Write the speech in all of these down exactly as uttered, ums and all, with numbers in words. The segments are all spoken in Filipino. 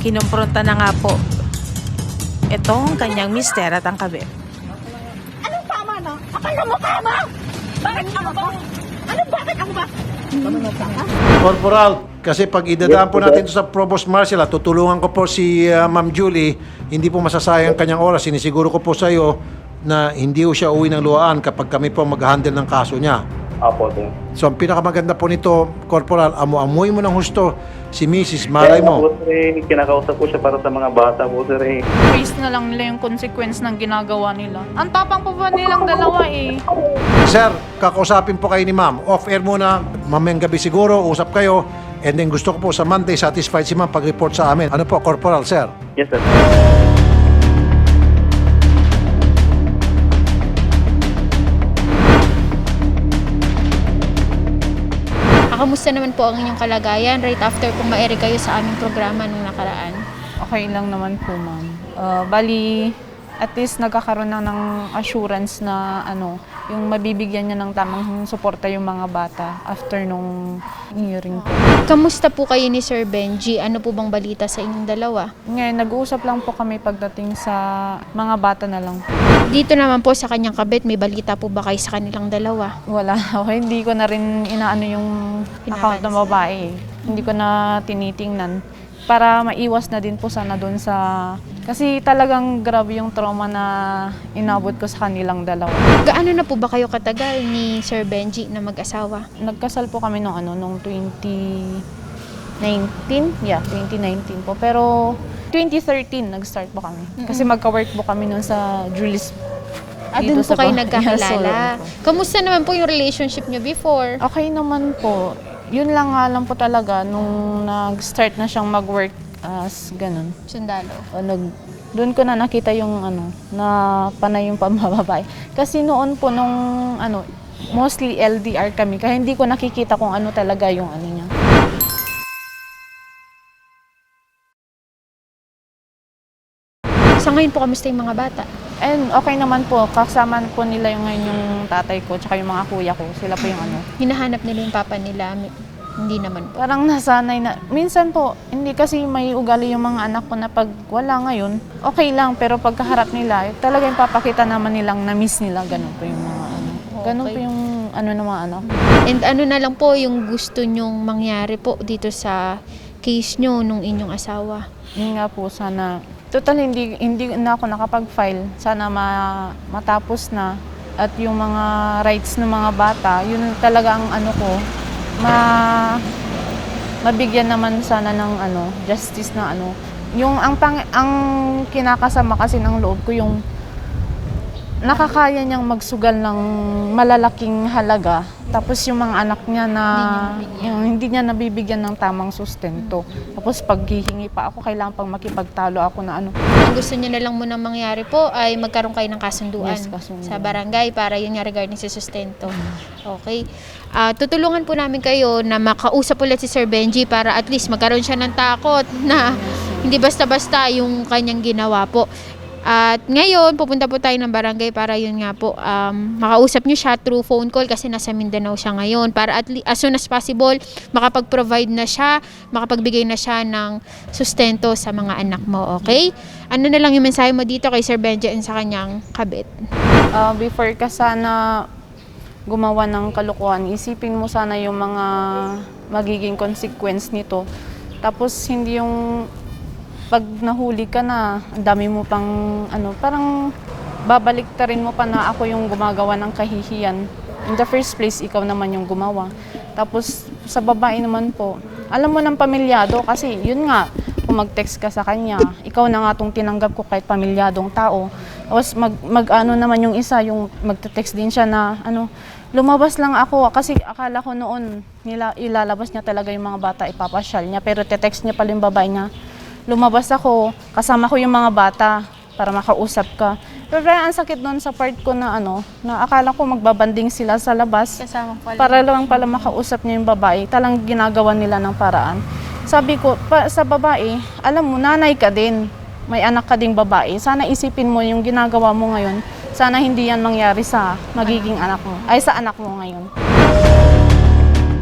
kinumpronta na nga po itong kanyang mister at ang kabit. Anong tama na? Kapal na mukha mo! Bakit ako ba? Ano, bakit ako ba? Corporal, kasi pag idadaan po natin ito sa Provost Marshal, tutulungan ko po si uh, Ma'am Julie, hindi po masasayang kanyang oras. Sinisiguro ko po sa iyo na hindi po siya uwi ng luhaan kapag kami po mag-handle ng kaso niya. Apo, sir. So ang pinakamaganda po nito, Corporal, amu-amuy mo ng husto si Missus Malay Kaya mo. po, sir, eh, kinakausap ko siya para sa mga bata po, sir. Eh. Face na lang nila yung consequence ng ginagawa nila. Ang tapang pa ba nilang dalawa eh. Sir, kakausapin po kayo ni Ma'am. Off-air muna, mamayang gabi siguro, usap kayo. And then gusto ko po sa Monday, satisfied si Ma'am pag-report sa amin. Ano po, Corporal, sir? Yes, sir. Kamusta naman po ang inyong kalagayan right after kung ma-air kayo sa aming programa nung nakaraan? Okay lang naman po, ma'am. Uh, bali, at least nagkakaroon na ng assurance na ano, yung mabibigyan niya ng tamang suporta yung mga bata after nung hearing po. Kamusta po kayo ni Sir Benji? Ano po bang balita sa inyong dalawa? Ngayon, nag-uusap lang po kami pagdating sa mga bata na lang. Dito naman po sa kanyang kabit, may balita po ba kayo sa kanilang dalawa? Wala. Okay, hindi ko na rin inaano yung account ng babae. Hindi ko na tinitingnan. Para maiwas na din po sana doon sa... Kasi talagang grabe yung trauma na inabot ko sa kanilang dalawa. Gaano na po ba kayo katagal ni Sir Benji na mag-asawa? Nagkasal po kami nung ano, nung twenty nineteen? Yeah, twenty nineteen po. Pero twenty thirteen nag-start po kami. Kasi magka-work po kami noon sa Julis. At dito doon po sa kayo bahay. nagkakilala. Yes, so, Kamusta naman po yung relationship niyo before? okay naman po. Yun lang nga lang po talaga nung nag-start na siyang mag-work as ganun. Sundalo. O, nag, doon ko na nakita yung ano, na panay yung pambababae. Kasi noon po nung ano, mostly L D R kami. Kaya hindi ko nakikita kung ano talaga yung ano niya. Sa ngayon po, kamusta yung mga bata? And okay naman po, kasama po nila yung ngayon yung tatay ko tsaka yung mga kuya ko. Sila po yung ano. Hinahanap nila yung papa nila? Hindi naman po. Parang nasanay na. Minsan po, hindi kasi may ugali yung mga anak ko na pag wala ngayon, okay lang. Pero pagkaharap nila, talagang papakita naman nilang na-miss nila. Ganun po yung mga ano. Ganun Okay. po yung ano ng mga anak. And ano na lang po yung gusto nyong mangyari po dito sa case nyo nung inyong asawa? Yun nga po, sana. Total, hindi, hindi na ako nakapag-file. Sana ma, matapos na. At yung mga rights ng mga bata, yun talaga ang ano ko, ma, mabigyan naman sana ng ano, justice na ano. Yung ang, pang, ang kinakasama kasi ng loob ko, yung nakakaya niyang magsugal ng malalaking halaga. Tapos yung mga anak niya na Hindi yung hindi niya nabibigyan ng tamang sustento. Tapos pag hihingi pa ako, kailangan pang makipagtalo ako na ano. Ang gusto niyo na lang muna mangyari po ay magkaroon kayo ng kasunduan Yes, kasunduan. sa barangay para yun nga regarding sa sustento. Okay. Ah, tutulungan po namin kayo na makausap ulit si Sir Benji para at least magkaroon siya ng takot na hindi basta-basta yung kanyang ginawa po. At ngayon, pupunta po tayo ng barangay para yun nga po, um, makausap niyo siya through phone call kasi nasa Mindanao siya ngayon. Para at least, as soon as possible, makapag-provide na siya, makapagbigay na siya ng sustento sa mga anak mo, okay? Ano na lang yung mensahe mo dito kay Sir Benji and sa kanyang kabit? Uh, before ka sana gumawa ng kalokohan, isipin mo sana yung mga magiging consequence nito. Tapos hindi yung pag nahuli ka na, ang dami mo pang ano, parang babalik ta rin mo pa na ako yung gumagawa ng kahihiyan. In the first place, ikaw naman yung gumawa. Tapos sa babae naman po, alam mo ng pamilyado kasi yun nga, kung mag-text ka sa kanya, ikaw na nga tong tinanggap ko kahit pamilyadong tao. Tapos mag, mag ano naman yung isa, yung magte-text din siya na ano, lumabas lang ako kasi akala ko noon nila, ilalabas niya talaga yung mga bata, ipapasyal niya. Pero te-text niya pala yung babae niya. Lumabas ako, kasama ko yung mga bata para makausap ka. Pero ang sakit doon sa part ko na ano, na akala ko magbabanding sila sa labas. Kasama pala. Para lang pala makausap niya yung babae. Talang ginagawa nila ng paraan. Sabi ko, pa, sa babae, alam mo, nanay ka din. May anak ka ding babae. Sana isipin mo yung ginagawa mo ngayon. Sana hindi yan mangyari sa magiging anak mo. Ay, sa anak mo ngayon.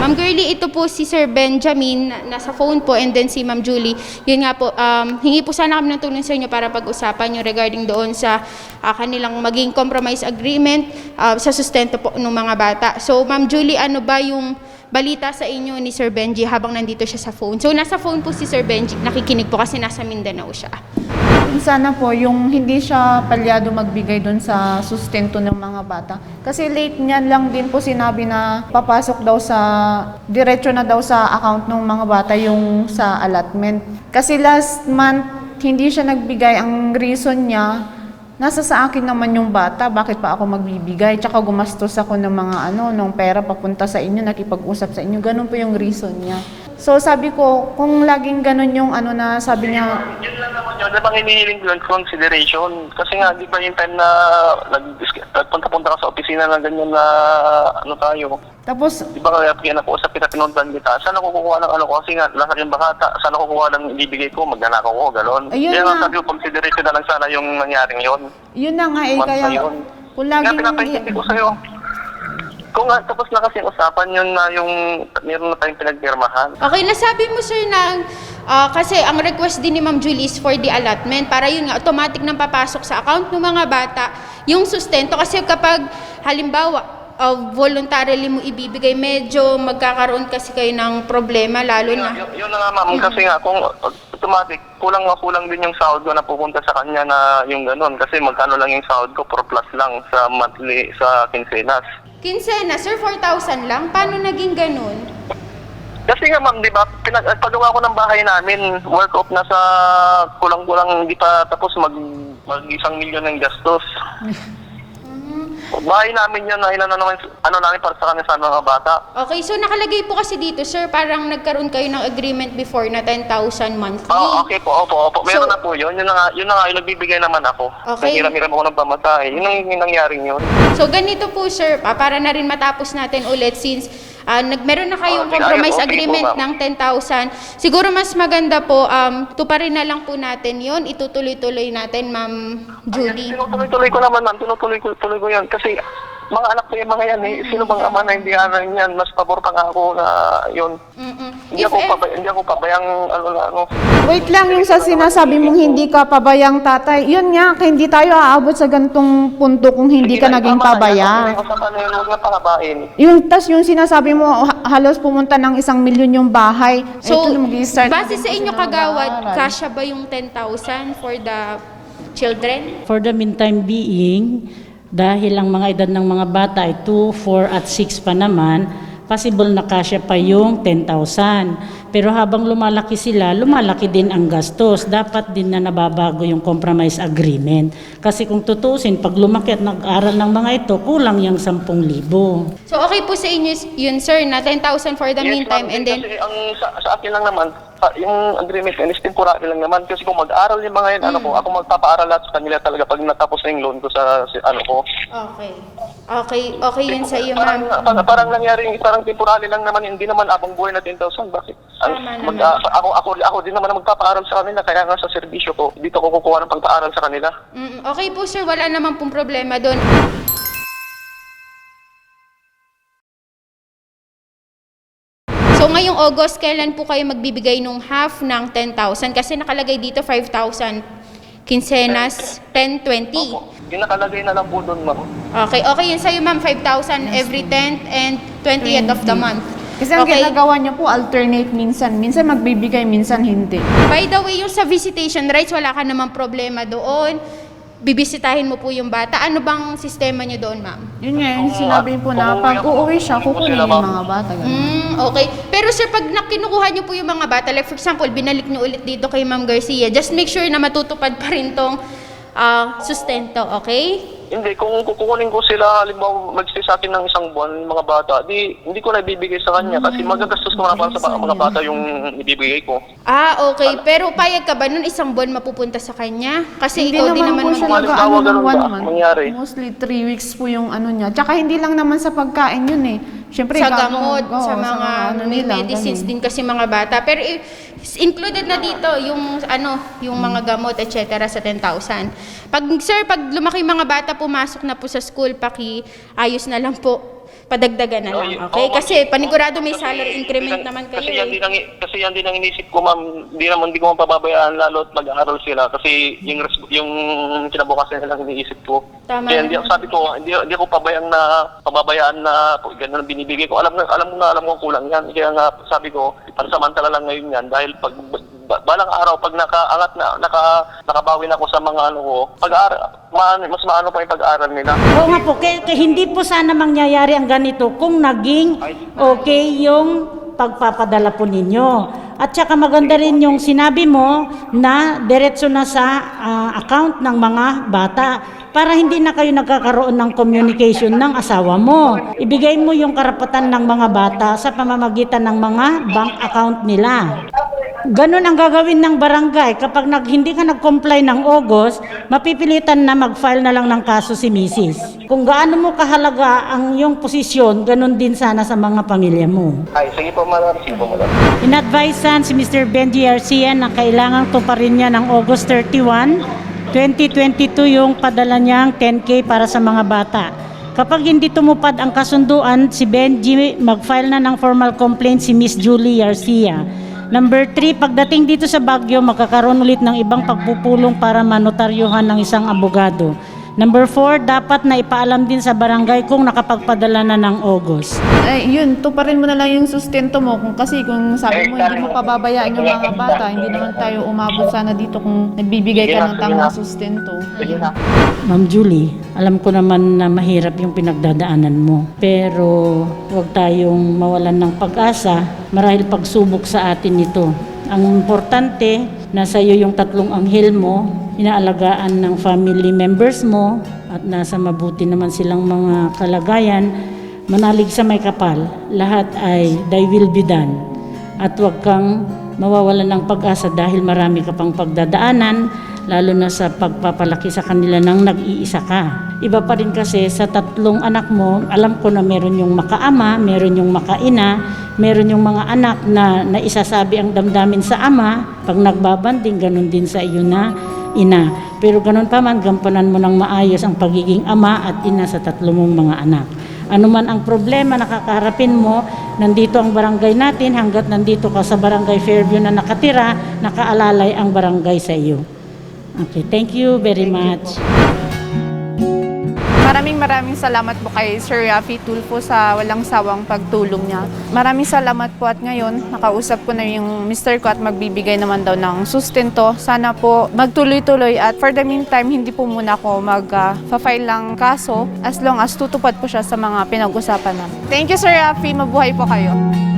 Ma'am Girlie, ito po si Sir Benjamin, na- nasa phone po, and then si Ma'am Julie. Yun nga po, um, hingi po sana kami ng tulong sa inyo para pag-usapan nyo regarding doon sa ah, kanilang maging compromise agreement ah, sa sustento po ng mga bata. So, Ma'am Julie, ano ba yung balita sa inyo ni Sir Benji habang nandito siya sa phone? So, nasa phone po si Sir Benji, nakikinig po kasi nasa Mindanao siya. Sana po yung hindi siya palyado magbigay doon sa sustento ng mga bata. Kasi late niyan lang din po sinabi na papasok daw sa, diretso na daw sa account ng mga bata yung sa allotment. Kasi last month, hindi siya nagbigay. Ang reason niya, nasa sa akin naman yung bata, bakit pa ako magbibigay? Tsaka gumastos ako ng mga ano, ng pera papunta sa inyo, nakipag-usap sa inyo. Ganun po yung reason niya. So sabi ko, kung laging ganun yung ano na sabi niya, Yun lang naman yun. Diba hinihiling ko yung consideration? Kasi nga, di ba yung time na nagpunta-punta ka sa opisina na ganyan na ano tayo? tapos Di ba kaya kaya nakuusap kita, pinundan kita? Saan ako kukuha ng ano ko? Kasi nga, nasa yung bakata. Saan ako kukuha ng ibibigay ko? Magnanakaw ko, gano'n. Ayun Kaya nga. nga sabi ko, consideration na lang sana yung nangyaring yun. yun na nga eh, Month kaya na yun. kung Kaya laging pinapaintindi ko sa'yo. Kung nga, tapos na kasi yung usapan yun na yung meron na tayong pinagpirmahan. Okay, nasabi mo sir na ah, kasi ang request din ni Ma'am Julie is for the allotment para yun nga automatic nang papasok sa account ng mga bata yung sustento kasi kapag halimbawa uh, voluntarily mo ibibigay, medyo magkakaroon kasi kayo ng problema lalo na. Yun, yun na nga ma'am, kasi nga kung automatic, kulang nga kulang din yung sahod ko na pupunta sa kanya na yung ganun. Kasi magkano lang yung sahod ko, four plus lang sa monthly, sa quincenas. Kinsena, sir, four thousand lang? Paano naging ganun? Kasi nga ma'am, di ba, pinag pagawa ko ng bahay namin, work off na sa kulang-kulang, hindi pa tapos mag, mag isang milyon ng gastos. Bahay namin yan na ilan na naman, ano namin para sa kanila sa mga bata. Okay, so nakalagay po kasi dito, sir, parang nagkaroon kayo ng agreement before na ten thousand monthly. Oo, okay po, opo, opo. Meron So- na po yun. Yun na nga, yun na nga, yung nagbibigay naman ako. Okay. Nangiram-hiram ako ng pamatay. Yun ang yung nangyaring yun. So ganito po sir, ah, para na rin matapos natin ulit since ah, nag meron na kayong Okay, compromise okay po, agreement ma'am. ng ten thousand. Siguro mas maganda po, um, tuparin na lang po natin yon, itutuloy-tuloy natin, Ma'am Julie. Tinutuloy-tuloy ko naman, ma'am. Tinutuloy ko, tuloy ko yan. Kasi mga anak ko yung mga yan eh. Sino bang ama na hindi anak yan? Mas pabor pa nga ako na yun. Mm-mm. Hindi If ako, ever- pabay, hindi ako pabayang ano na ano. wait lang yung sa sinasabi mong hindi ka pabayang tatay. Yun nga, hindi tayo aabot sa gantong punto kung hindi ka Sige na, naging tama na yan. pabaya. Ang usapan na yun, huwag na pakabain. Yung tas yung sinasabi mo ha- halos pumunta ng isang milyon yung bahay. So, Ito, mag-i-start na base din sa po inyo sila kagawad, mag-aaral. kasya ba yung ten thousand for the children? For the meantime being, dahil ang mga edad ng mga bata ay two, four at six pa naman, possible na kasya pa yung ten thousand. Pero habang lumalaki sila, lumalaki din ang gastos. Dapat din na nababago yung compromise agreement. Kasi kung tutusin, pag lumaki at nag-aral ng mga ito, kulang yung ten libo. So okay po sa inyo yun sir, na ten thousand for the Yes, meantime ma'am. and then Kasi ang sa, sa akin lang naman, pa- yung agreement yan is temporary lang naman. Kasi kung mag-aaral yung mga yan, ano ko, ako magpapaaral lahat sa kanila talaga pag natapos na yung loan ko sa, si, ano ko. okay. Okay, okay yun sa iyo, Parang, ma'am. parang, parang nangyari, parang temporary lang naman, hindi naman abang buhay na ten thousand. Bakit? Ang, Tama mag, naman. ako, ako, ako din naman ang magpapaaral sa kanila, kaya nga sa serbisyo ko, dito ko kukuha ng pagpaaral sa kanila. Mm, okay po sir, wala naman pong problema doon. So ngayong August, kailan po kayo magbibigay nung half ng ten thousand? Kasi nakalagay dito five thousand. Quincenas, ten, twenty. Opo. Yung nakalagay na lang po doon, ma'am. Okay, okay yun sa'yo ma'am, five thousand every tenth and twentieth of the month. Kasi ang Okay. ginagawa niyo po, alternate minsan. Minsan magbibigay, minsan hindi. By the way, yung sa visitation rights, wala ka namang problema doon. Bibisitahin mo po yung bata. Ano bang sistema niyo doon, ma'am? Yun nga, yung sinabi po na pag uuwi siya, kukunin yung mga bata. Ganun. Mm, okay. Pero sir, pag nakinukuha niyo po yung mga bata, like for example, binalik niyo ulit dito kay Ma'am Garcia, just make sure na matutupad pa rin tong ah, sustento, okay? Hindi, kung kukunin ko sila, halimbawa mag-stay sa akin ng isang buwan, yung mga bata, di, hindi ko na ibibigay sa kanya kasi magagastos ko na para sa mga bata yung ibibigay ko. Ah, okay. Pero payag ka ba nun isang buwan mapupunta sa kanya? Kasi Hindi ikaw din naman po siya mag- Halimbawa, nag-ano ng ganun one ba month. mangyari? Mostly three weeks po yung ano niya. Tsaka hindi lang naman sa pagkain yun eh. Siyempre, sa gagawin- gamot, oo, sa mga ano may nila, medicines ganun. din kasi mga bata. Pero i- included na dito yung ano, yung mga gamot et cetera sa ten thousand. Pag sir, pag lumaki yung mga bata pumasok na po sa school, paki ayos na lang po. padagdagan na Oh, lang, y- okay? oo, Kasi ma'am. panigurado may Kasi salary increment hindi lang- naman kayo Kasi yan eh. din ang, kasi yan din ang inisip ko, ma'am. Di naman, di ko mapababayaan lalo at mag-aaral sila. Kasi yung, res- yung kinabukasan nila lang iniisip ko. Tama Kaya hindi, naman. sabi ko, hindi, hindi ako pabayang na, pababayaan na ganun ang binibigay ko. Alam, na- alam mo na, alam ko kulang yan. Kaya nga, sabi ko, pansamantala lang ngayon yan. Dahil pag, ba- balang araw, pag nakaangat na, naka, nakabawi na ako sa mga ano ko, pag-aaral, ma- mas maano pa yung pag-aaral nila. Oo nga po, kaya, kaya hindi po sana mangyayari ang ganito kung naging okay yung pagpapadala po ninyo. At saka maganda rin yung sinabi mo na diretso na sa ah, account ng mga bata para hindi na kayo nagkakaroon ng communication ng asawa mo. Ibigay mo yung karapatan ng mga bata sa pamamagitan ng mga bank account nila. Ganon ang gagawin ng barangay. Kapag nag, hindi ka nag-comply ng August, mapipilitan na mag-file na lang ng kaso si misis. Kung gaano mo kahalaga ang iyong posisyon, ganon din sana sa mga pamilya mo. Ay, sige po, madam. Sige po, madam. Inadvisean si Mister Benji Garcia na kailangang tuparin niya ng August thirty-first, twenty twenty-two yung padala niyang ten K para sa mga bata. Kapag hindi tumupad ang kasunduan, si Benji mag-file na ng formal complaint si Miss Julie Garcia. Number three, pagdating dito sa Baguio, magkakaroon ulit ng ibang pagpupulong para manotaryuhan ng isang abogado. Number four, dapat na ipaalam din sa barangay kung nakapagpadala na ng August. Eh, yun, tuparin mo na lang yung sustento mo. Kung, kasi kung sabi mo, hindi mo pababayaan yung mga bata, hindi naman tayo umabot sana dito kung nagbibigay ka ng tamang sustento. Sige na. Ma'am Julie, alam ko naman na mahirap yung pinagdadaanan mo. Pero huwag tayong mawalan ng pag-asa marahil pagsubok sa atin ito. Ang importante, nasa iyo yung tatlong anghel mo, inaalagaan ng family members mo, at nasa mabuti naman silang mga kalagayan. Manalig sa may kapal, lahat ay thy will be done. At huwag kang mawawalan ng pag-asa dahil marami ka pang pagdadaanan, lalo na sa pagpapalaki sa kanila nang nag-iisa ka. Iba pa rin kasi sa tatlong anak mo, alam ko na meron yung makaama, meron yung makaina, meron yung mga anak na naisasabi ang damdamin sa ama, pag nagbabanding, ganun din sa iyo na ina. Pero ganun pa man, gampanan mo ng maayos ang pagiging ama at ina sa tatlo mong mga anak. Ano man ang problema na kakaharapin mo, nandito ang barangay natin, hanggat nandito ka sa barangay Fairview na nakatira, nakaalalay ang barangay sa iyo. Okay, thank you very much. Maraming maraming salamat po kay Sir Raffy Tulfo sa walang sawang pagtulong niya. Maraming salamat po at ngayon nakausap ko na yung mister ko at magbibigay naman daw ng sustento. Sana po magtuloy-tuloy at for the meantime hindi po muna ako mag-file ng kaso as long as tutupad po siya sa mga pinag-usapan namin. Thank you Sir Raffy, mabuhay po kayo.